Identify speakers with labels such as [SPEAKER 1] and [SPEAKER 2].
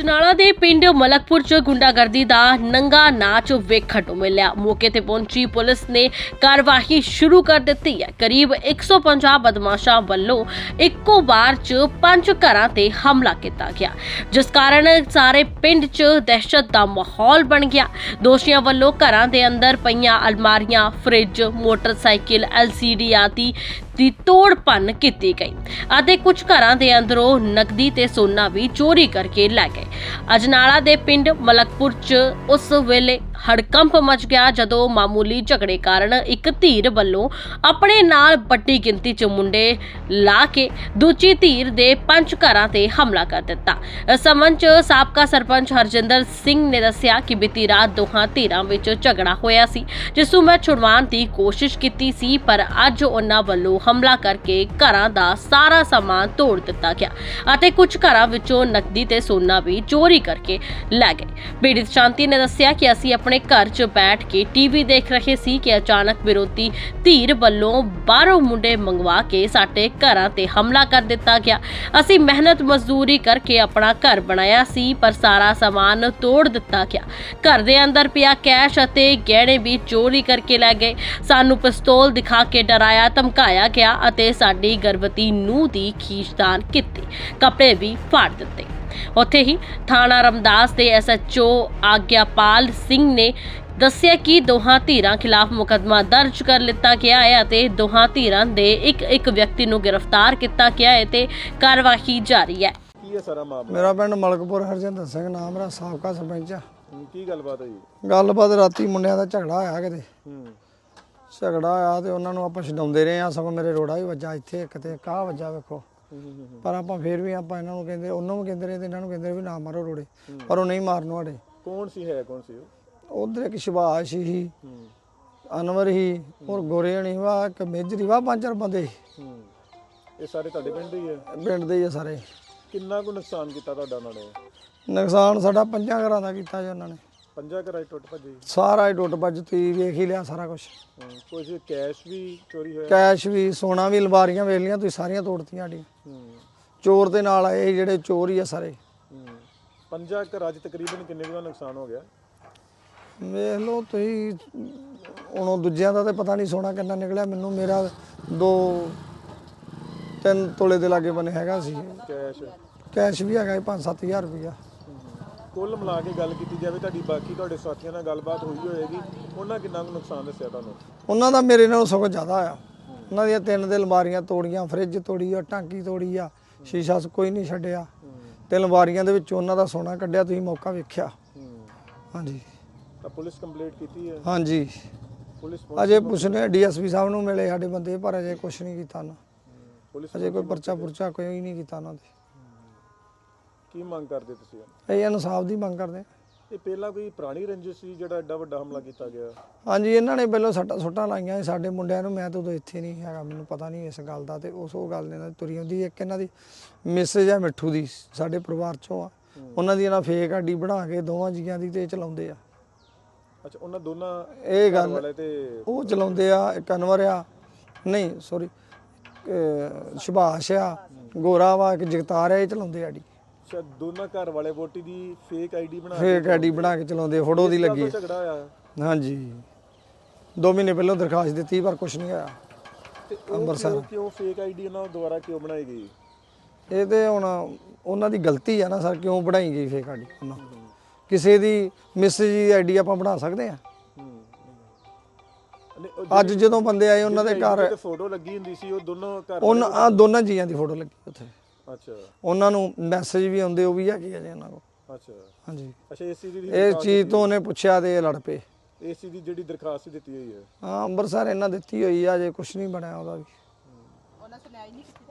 [SPEAKER 1] ਅਜਨਾਲਾ ਦੇ ਪਿੰਡ ਮਲਕਪੁਰ ਚ ਗੁੰਡਾਗਰਦੀ ਦਾ ਨੰਗਾ ਨਾਚ ਵੇਖਣ ਨੂੰ ਮਿਲਿਆ। ਮੌਕੇ ਤੇ ਪਹੁੰਚੀ ਪੁਲਿਸ ਨੇ ਕਾਰਵਾਈ ਸ਼ੁਰੂ ਕਰ ਦਿੱਤੀ ਹੈ। ਕਰੀਬ 150 ਬਦਮਾਸ਼ਾਂ ਵੱਲੋਂ ਇੱਕੋ ਵਾਰ ਚ 5 ਘਰਾਂ ਤੇ ਹਮਲਾ ਕੀਤਾ ਗਿਆ, ਜਿਸ ਕਾਰਨ ਸਾਰੇ ਪਿੰਡ ਚ ਦਹਿਸ਼ਤ ਦਾ ਮਾਹੌਲ ਬਣ ਗਿਆ। ਦੋਸ਼ੀਆਂ ਵੱਲੋਂ ਘਰਾਂ ਦੇ ਅੰਦਰ ਪਈਆਂ ਅਲਮਾਰੀਆਂ, ਫ੍ਰਿਜ, ਮੋਟਰਸਾਈਕਲ, LCD ਆਦਿ ਦੀ ਤੋੜ ਭੰਨ ਕੀਤੀ ਗਈ ਅਤੇ ਕੁਝ ਘਰਾਂ ਦੇ ਅੰਦਰੋਂ ਨਕਦੀ ਤੇ ਸੋਨਾ ਵੀ ਚੋਰੀ ਕਰਕੇ ਲੈ ਗਏ। ਅਜਨਾਲਾ ਦੇ ਪਿੰਡ ਮਲਕਪੁਰ ਚ ਉਸ ਵੇਲੇ ਹੜਕੰਪ ਮਚ ਗਿਆ ਜਦੋਂ ਮਾਮੂਲੀ ਝਗੜੇ ਕਾਰਨ ਇੱਕ ਧਿਰ ਵੱਲੋਂ ਆਪਣੇ ਨਾਲ ਵੱਡੀ ਗਿਣਤੀ ਚ ਮੁੰਡੇ ਲਾ ਕੇ ਦੂਜੀ ਧਿਰ ਦੇ 5 ਘਰਾਂ ਤੇ ਹਮਲਾ ਕਰ ਦਿੱਤਾ। ਇਸ ਸੰਬੰਧ ਚ ਸਾਬਕਾ ਸਰਪੰਚ ਹਰਜਿੰਦਰ ਸਿੰਘ ਨੇ ਦੱਸਿਆ ਕਿ ਬੀਤੀ ਰਾਤ ਦੋਹਾਂ ਧਿਰਾਂ ਵਿੱਚ ਝਗੜਾ ਹੋਇਆ ਸੀ, ਜਿਸ ਨੂੰ ਮੈਂ ਛੁਡਵਾਉਣ ਦੀ ਕੋਸ਼ਿਸ਼ ਕੀਤੀ ਸੀ, ਪਰ ਅੱਜ ਉਹਨਾਂ ਵੱਲੋਂ ਹਮਲਾ ਕਰਕੇ ਘਰਾਂ ਦਾ ਸਾਰਾ ਸਮਾਨ ਤੋੜ ਦਿੱਤਾ ਗਿਆ ਅਤੇ ਕੁਝ ਘਰਾਂ ਵਿੱਚੋਂ ਨਕਦੀ ਤੇ ਸੋਨਾ ਵੀ ਚੋਰੀ ਕਰਕੇ ਲੈ ਗਏ। ਪੀੜਿਤ ਸ਼ਾਂਤੀ ਨੇ ਦੱਸਿਆ ਕਿ ਅਸੀਂ ਆਪਣੇ ਘਰ 'ਚ ਬੈਠ ਕੇ ਟੀਵੀ ਦੇਖ ਰਹੇ ਸੀ ਕਿ ਅਚਾਨਕ ਵਿਰੋਧੀ ਧਿਰ ਵੱਲੋਂ ਬਾਹਰੋਂ ਮੁੰਡੇ ਮੰਗਵਾ ਕੇ ਸਾਡੇ ਘਰਾਂ ਤੇ ਹਮਲਾ ਕਰ ਦਿੱਤਾ ਗਿਆ। ਅਸੀਂ ਮਿਹਨਤ ਮਜ਼ਦੂਰੀ ਕਰਕੇ ਆਪਣਾ ਘਰ ਬਣਾਇਆ ਸੀ, ਪਰ ਸਾਰਾ ਸਮਾਨ ਤੋੜ ਦਿੱਤਾ ਗਿਆ। ਘਰ ਦੇ ਅੰਦਰ ਪਿਆ ਕੈਸ਼ ਅਤੇ ਗਹਿਣੇ ਵੀ ਚੋਰੀ ਕਰਕੇ ਲੈ ਗਏ। ਸਾਨੂੰ ਪਿਸਤੌਲ ਦਿਖਾ ਕੇ ਡਰਾਇਆ ਧਮਕਾਇਆ ਗਿਆ ਅਤੇ ਸਾਡੀ ਗਰਭਵਤੀ ਨੂੰਹ ਦੀ ਖੀਚਤਾਨ ਕੀਤੀ, ਕੱਪੜੇ ਵੀ ਫਾੜ ਦਿੱਤੇ। ਉੱਥੇ ਹੀ ਥਾਣਾ ਰਮਦਾਸ ਦੇ SHO ਆਗਿਆਪਾਲ ਸਿੰਘ ਨੇ ਦੱਸਿਆ ਕਿ ਦੋਹਾਂ ਧਿਰਾਂ ਖਿਲਾਫ ਮੁਕੱਦਮਾ ਦਰਜ ਕਰ ਲਿੱਤਾ ਗਿਆ ਹੈ ਅਤੇ ਦੋਹਾਂ ਧਿਰਾਂ ਦੇ ਇੱਕ ਵਿਅਕਤੀ ਨੂੰ ਗ੍ਰਿਫਤਾਰ ਕੀਤਾ ਗਿਆ ਹੈ ਤੇ ਕਾਰਵਾਈ ਜਾਰੀ ਹੈ।
[SPEAKER 2] ਕੀ ਹੈ ਸਾਰਾ ਮਾਮਲਾ?
[SPEAKER 3] ਮੇਰਾ ਪਿੰਡ ਮਲਕਪੁਰ ਹਰਜਿੰਦਰ ਸਿੰਘ ਨਾਮ, ਮੇਰਾ ਸਾਬਕਾ ਸਰਪੰਚ ਆ।
[SPEAKER 2] ਕੀ ਗੱਲਬਾਤ ਹੋਈ?
[SPEAKER 3] ਗੱਲਬਾਤ ਰਾਤੀ ਮੁੰਡਿਆਂ ਦਾ ਝਗੜਾ ਹੋਇਆ ਕਿਤੇ। ਝਗੜਾ ਹੋਇਆ ਤੇ ਉਹਨਾਂ ਨੂੰ ਆਪਾਂ ਛਡਾਉਂਦੇ ਰਹੇ ਆ, ਸਗੋਂ ਮੇਰੇ ਰੋੜਾ ਵੀ ਵੱਜਾ ਇੱਥੇ, ਇੱਕ ਤੇ ਕਾਹ ਵੱਜਾ ਵੇਖੋ। ਪਰ ਆਪਾਂ ਫੇਰ ਵੀ ਆਪਾਂ ਇਹਨਾਂ ਨੂੰ ਕਹਿੰਦੇ, ਉਹਨੂੰ ਵੀ ਕਹਿੰਦੇ ਰਹੇ ਤੇ ਇਹਨਾਂ ਨੂੰ ਕਹਿੰਦੇ ਵੀ ਨਾ ਮਾਰੋ ਰੋੜੇ, ਪਰ ਉਹ ਨਹੀਂ ਮਾਰਨ ਵਾਲੇ।
[SPEAKER 2] ਕੌਣ ਸੀ? ਹੈ ਕੌਣ ਸੀ ਉਹ?
[SPEAKER 3] ਉਧਰ ਇੱਕ ਸ਼ਿਵਾਸ਼ ਸੀ, ਅਨਵਰ ਹੀ, ਔਰ ਗੋਰੇਣੀ ਵਾ, ਇੱਕ ਮੇਜਰੀ ਵਾ, 5-4 ਬੰਦੇ।
[SPEAKER 2] ਇਹ ਸਾਰੇ ਤੁਹਾਡੇ ਪਿੰਡ ਦੇ ਹੀ ਹੈ?
[SPEAKER 3] ਪਿੰਡ ਦੇ ਹੀ ਆ ਸਾਰੇ।
[SPEAKER 2] ਕਿੰਨਾ ਕੁ ਨੁਕਸਾਨ ਕੀਤਾ ਤੁਹਾਡਾ ਉਹਨਾਂ ਨੇ?
[SPEAKER 3] ਨੁਕਸਾਨ ਸਾਡਾ 5 ਘਰਾਂ ਦਾ ਕੀਤਾ ਜੀ ਉਹਨਾਂ ਨੇ।
[SPEAKER 2] 5 ਘਰਾਂ ਟੁੱਟ ਭੱਜੇ?
[SPEAKER 3] ਸਾਰਾ ਹੀ ਟੁੱਟ ਭੱਜ, ਤੁਸੀਂ ਵੇਖ ਹੀ ਲਿਆ ਸਾਰਾ ਕੁਝ।
[SPEAKER 2] ਕੁਝ ਕੈਸ਼ ਵੀ ਚੋਰੀ ਹੋਇਆ?
[SPEAKER 3] ਕੈਸ਼ ਵੀ, ਸੋਨਾ ਵੀ, ਅਲਮਾਰੀਆਂ ਵੇਖ ਲੀਆਂ ਤੁਸੀਂ, ਸਾਰੀਆਂ ਤੋੜਤੀਆਂ ਸਾਡੀਆਂ। ਚੋਰ ਦੇ ਨਾਲ ਆਏ ਜਿਹੜੇ ਚੋਰ ਹੀ ਆ ਸਾਰੇ।
[SPEAKER 2] 5 ਘਰਾਂ 'ਚ ਤਕਰੀਬਨ ਕਿੰਨੇ ਕੁ ਦਾ ਨੁਕਸਾਨ ਹੋ ਗਿਆ?
[SPEAKER 3] ਵੇਖ ਲਓ ਤੁਸੀਂ, ਹੁਣ ਉਹ ਦੂਜਿਆਂ ਦਾ ਤਾਂ ਪਤਾ ਨਹੀਂ ਸੋਨਾ ਕਿੰਨਾ ਨਿਕਲਿਆ, ਮੈਨੂੰ ਮੇਰਾ 2-3 ਤੋਲੇ ਦੇ ਲਾਗੇ ਬਣੇ ਹੈਗਾ ਸੀ ਕੈਸ਼ ਵੀ ਹੈਗਾ 5-7 ਹਜ਼ਾਰ ਰੁਪਇਆ।
[SPEAKER 2] ਕੁੱਲ ਮਿਲਾ ਕੇ ਗੱਲ ਕੀਤੀ ਜਾਵੇ ਤੁਹਾਡੀ, ਬਾਕੀ ਤੁਹਾਡੇ ਸਾਥੀਆਂ ਨਾਲ ਗੱਲਬਾਤ ਹੋਈ ਹੋਏਗੀ, ਉਹਨਾਂ ਕਿੰਨਾ ਕੁ ਨੁਕਸਾਨ ਦੱਸਿਆ ਤੁਹਾਨੂੰ?
[SPEAKER 3] ਉਹਨਾਂ ਦਾ ਮੇਰੇ ਨਾਲੋਂ ਸਗੋਂ ਜ਼ਿਆਦਾ ਆ। ਉਹਨਾਂ ਦੀਆਂ 3 ਦੇ ਅਲਮਾਰੀਆਂ ਤੋੜੀਆਂ, ਫਰਿੱਜ ਤੋੜੀ ਆ, ਟਾਂਕੀ ਤੋੜੀ ਆ, ਸ਼ੀਸ਼ਾ ਕੋਈ ਨਹੀਂ ਛੱਡਿਆ ਤੇ ਅਲਮਾਰੀਆਂ ਦੇ ਵਿੱਚ ਉਹਨਾਂ ਦਾ ਸੋਨਾ ਕੱਢਿਆ, ਤੁਸੀਂ ਮੌਕਾ ਵੇਖਿਆ। ਹਾਂਜੀ।
[SPEAKER 2] ਤਾਂ ਪੁਲਿਸ ਕੰਪਲੇਂਟ ਕੀਤੀ ਹੈ?
[SPEAKER 3] ਹਾਂਜੀ,
[SPEAKER 2] ਪੁਲਿਸ
[SPEAKER 3] ਅਜੇ ਪੁੱਛਨੇ DSP ਸਾਹਿਬ ਨੂੰ ਮਿਲੇ ਸਾਡੇ ਬੰਦੇ, ਪਰ ਅਜੇ ਕੁਛ ਨਹੀਂ ਕੀਤਾ ਨਾ। ਅਜੇ ਕੋਈ ਪਰਚਾ ਪੁਰਚਾ ਕੋਈ ਨਹੀਂ ਕੀਤਾ ਉਹਨਾਂ ਦੇ।
[SPEAKER 2] ਕੀ ਮੰਗ ਕਰਦੇ ਤੁਸੀਂ?
[SPEAKER 3] ਇਹ ਇਨਸਾਫ ਦੀ ਮੰਗ ਕਰਦੇ।
[SPEAKER 2] ਇਹ ਪਹਿਲਾਂ ਕੋਈ ਪੁਰਾਣੀ ਰੰਜਿਸ਼ ਸੀ ਜਿਹੜਾ ਐਡਾ ਵੱਡਾ ਹਮਲਾ ਕੀਤਾ ਗਿਆ?
[SPEAKER 3] ਹਾਂਜੀ, ਇਹਨਾਂ ਨੇ ਪਹਿਲਾਂ ਸੁੱਟਾਂ ਲਾਈਆਂ ਸਾਡੇ ਮੁੰਡਿਆਂ ਨੂੰ। ਮੈਂ ਤਾਂ ਉਦੋਂ ਇੱਥੇ ਨਹੀਂ ਹੈਗਾ, ਮੈਨੂੰ ਪਤਾ ਨਹੀਂ ਇਸ ਗੱਲ ਦਾ, ਤੇ ਉਹ ਗੱਲ ਇਹਨਾਂ ਦੀ ਤੁਰੀ ਆਉਂਦੀ। ਇੱਕ ਇਹਨਾਂ ਦੀ ਮੈਸੇਜ ਹੈ ਮਿੱਠੂ ਦੀ, ਸਾਡੇ ਪਰਿਵਾਰ ਚੋਂ ਆ, ਉਹਨਾਂ ਦੀ ਇਹਨਾਂ ਫੇਕ ਆਈਡੀ ਬਣਾ ਕੇ ਦੋਵਾਂ ਜੀਆਂ ਦੀ ਤੇ ਚਲਾਉਂਦੇ ਆ।
[SPEAKER 2] ਅੱਛਾ, ਉਹਨਾਂ ਦੋਨਾਂ
[SPEAKER 3] ਇਹ ਗੱਲ
[SPEAKER 2] ਵਾਲੇ ਤੇ
[SPEAKER 3] ਉਹ ਚਲਾਉਂਦੇ ਆ। ਇੱਕ ਅਨਵਰ ਆ, ਨਹੀਂ ਸੌਰੀ ਸੁਭਾਸ਼ ਆ, ਗੋਰਾ ਵਾ, ਇੱਕ ਜਗਤਾਰ ਆ, ਇਹ ਚਲਾਉਂਦੇ ਆਡੀ।
[SPEAKER 2] ਅੱਛਾ, ਦੋਨਾਂ ਘਰ ਵਾਲੇ ਵੋਟੀ ਦੀ ਫੇਕ ਆਈਡੀ
[SPEAKER 3] ਬਣਾ ਕੇ ਚਲਾਉਂਦੇ, ਫੋਟੋ ਦੀ ਲੱਗੀ।
[SPEAKER 2] ਝਗੜਾ ਹੋਇਆ?
[SPEAKER 3] ਹਾਂਜੀ, 2 ਮਹੀਨੇ ਪਹਿਲਾਂ ਦਰਖਾਸਤ ਦਿੱਤੀ, ਪਰ ਕੁਝ ਨਹੀਂ ਹੋਇਆ।
[SPEAKER 2] ਤੇ ਅੰਮ੍ਰਿਤਸਰ ਕਿਉਂ ਫੇਕ ਆਈਡੀ ਉਹਨਾਂ ਦੁਆਰਾ ਕਿਉਂ ਬਣਾਈ ਗਈ?
[SPEAKER 3] ਇਹ ਤੇ ਹੁਣ ਉਹਨਾਂ ਦੀ ਗਲਤੀ ਆ ਨਾ ਸਰ, ਕਿਉਂ ਬਣਾਈ ਗਈ ਫੇਕ ਆਈਡੀ? ਉਹਨਾਂ ਕਿਸੇ ਦੀ ਮੈਸੇਜ ਦੀ ਆਈਡੀ ਆਪਾਂ ਬਣਾ ਸਕਦੇ ਆ? ਅੱਜ ਜਦੋਂ ਬੰਦੇ ਆਏ ਉਹਨਾਂ ਦੇ ਘਰ
[SPEAKER 2] ਫੋਟੋ ਲੱਗੀ ਹੁੰਦੀ ਸੀ, ਉਹ ਦੋਨੋਂ ਘਰ
[SPEAKER 3] ਉਹਨਾਂ ਦੋਨਾਂ ਜੀਆਂ ਦੀ ਫੋਟੋ ਲੱਗੀ ਉੱਥੇ।
[SPEAKER 2] ਅੱਛਾ, ਉਹਨਾਂ
[SPEAKER 3] ਨੂੰ ਮੈਸੇਜ ਵੀ ਆਉਂਦੇ, ਉਹ ਵੀ ਹੈਗੇ ਆ ਜੀ ਉਹਨਾਂ ਕੋਲ।
[SPEAKER 2] ਅੱਛਾ
[SPEAKER 3] ਹਾਂਜੀ।
[SPEAKER 2] ਅੱਛਾ,
[SPEAKER 3] ਇਹ ਚੀਜ਼ ਤੋਂ ਉਹਨੇ ਪੁੱਛਿਆ ਤੇ ਇਹ ਲੜ ਪਏ।
[SPEAKER 2] ਏਸੀ ਦੀ ਜਿਹੜੀ ਦਰਖਾਸਤ ਦਿੱਤੀ ਹੋਈ ਹੈ?
[SPEAKER 3] ਹਾਂ, ਅੰਮ੍ਰਿਤਸਰ ਇਹਨਾਂ ਦਿੱਤੀ ਹੋਈ ਆ, ਜੇ ਕੁਝ ਨਹੀਂ ਬਣਿਆ ਉਹਦਾ ਵੀ।
[SPEAKER 4] ਉਹਨਾਂ ਸੁਣਾਈ ਨਹੀਂ ਕੀਤੀ।